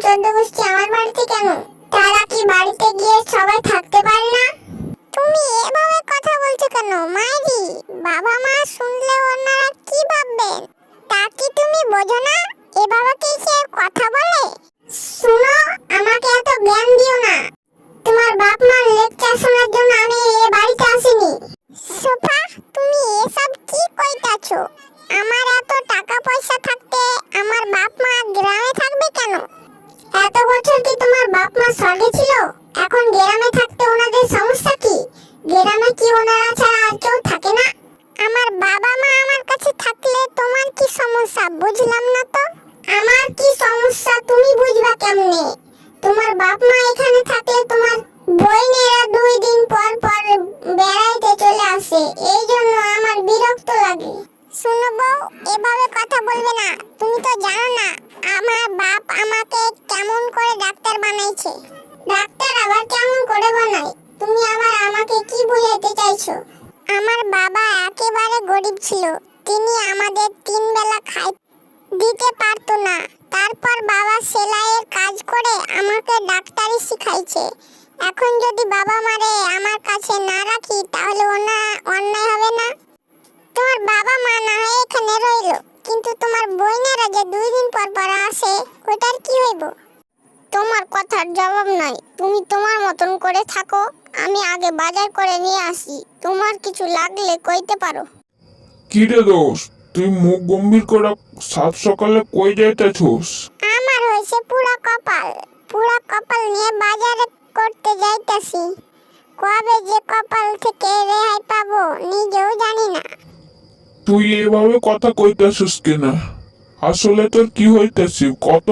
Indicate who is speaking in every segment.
Speaker 1: চোদ্দ গোষ্ঠী আমার বাড়িতে কেন? তারা কি বাড়িতে গিয়ে সবাই থাকতে পারে না? তুমি এভাবে কথা বলছো কেন মাইরি? বাবা মা শুনলে ওনারা কি ভাববেন তা কি তুমি বোঝো না? এভাবে কি সে কথা বলে? শুনো, আমাকে এত জ্ঞান দিও না। তোমার বাপ মার লেকচার শোনার জন্য আমি এই বাড়িতে আসিনি। সোফা, তুমি এসব কি কইতাছো? আমার এত টাকা পয়সা থাকতে আমার বাপ মা গ্রামে থাকবে কেন? এত বছর কি তোমার বাপ মা স্বর্গে ছিল? এখন গ্রামে থাকতে ওনাদের সমস্যা কি? গ্রামে কি ওনারা ছাড়া আর কেউ থাকে না? আমার বাবা মা আমার কাছে থাকলে তোমার কি সমস্যা বুঝলাম না তো। আমার কি সমস্যা তুমি বুঝবা কেমনে? তোমার বাপ মা এখানে থাকলে তোমার বইনেরা 2 দিন পর পর বেড়াইতে চলে আসে, এই জন্য আমার বিরক্ত লাগে। শোনো বউ, এভাবে কথা বলবে না। তুমি তো জানো না আমার বাপ আমাকে কেমন করে ডাক্তার বানাইছে। ডাক্তার আবার কেমন করে বানায়? তুমি আবার আমাকে কি বুঝাইতে চাইছো? আমার বাবা একেবারে গরিব ছিল। তিনি আমাদের 3 বেলা খাই দিতে পারতো না। তারপর বাবা সেলাইয়ের কাজ করে আমাকে ডাক্তারি শিখাইছে। এখন যদি বাবা মারে আমার কাছে না রাখি তাহলে অন্যায় হবে না? তোমার বাবা মা না হয় এখানে রইলো, কিন্তু তোমার বইনেরা যে 2 দিন পর পর আসে, ওটার কি হইব? তোমার কথার জবাব নাই। তুমি তোমার মতন করে থাকো, আমি আগে বাজার করে নিয়ে আসি। তোমার কিছু লাগলে কইতে পারো।
Speaker 2: কি রে দোস্ত, তুই মুখ গম্ভীর করে সাত সকালে কই যাইতেছস?
Speaker 1: আমার হইছে পুরা কপাল। পুরা কপাল নিয়ে বাজারে করতে যাইতাছি। কবে যে কপাল থেকে রেহাই পাবো নিজেও জানি না।
Speaker 2: তুই এভাবে কথা কইতেছস কেনা? আসলে তোর কি হইতেছে কত?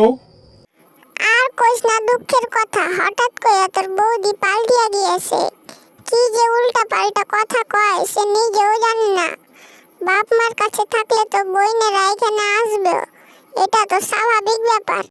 Speaker 1: আর কইস না দুঃখের কথা। হঠাৎ করে তোর বৌদি পাল্টিয়া গিয়েছে। কি যে উল্টা পাল্টা কথা কয় সে নিজেও জানি না। বাপ মার কাছে থাকলে তো বইনেরা এখানে আসবে, এটা তো স্বাভাবিক ব্যাপার।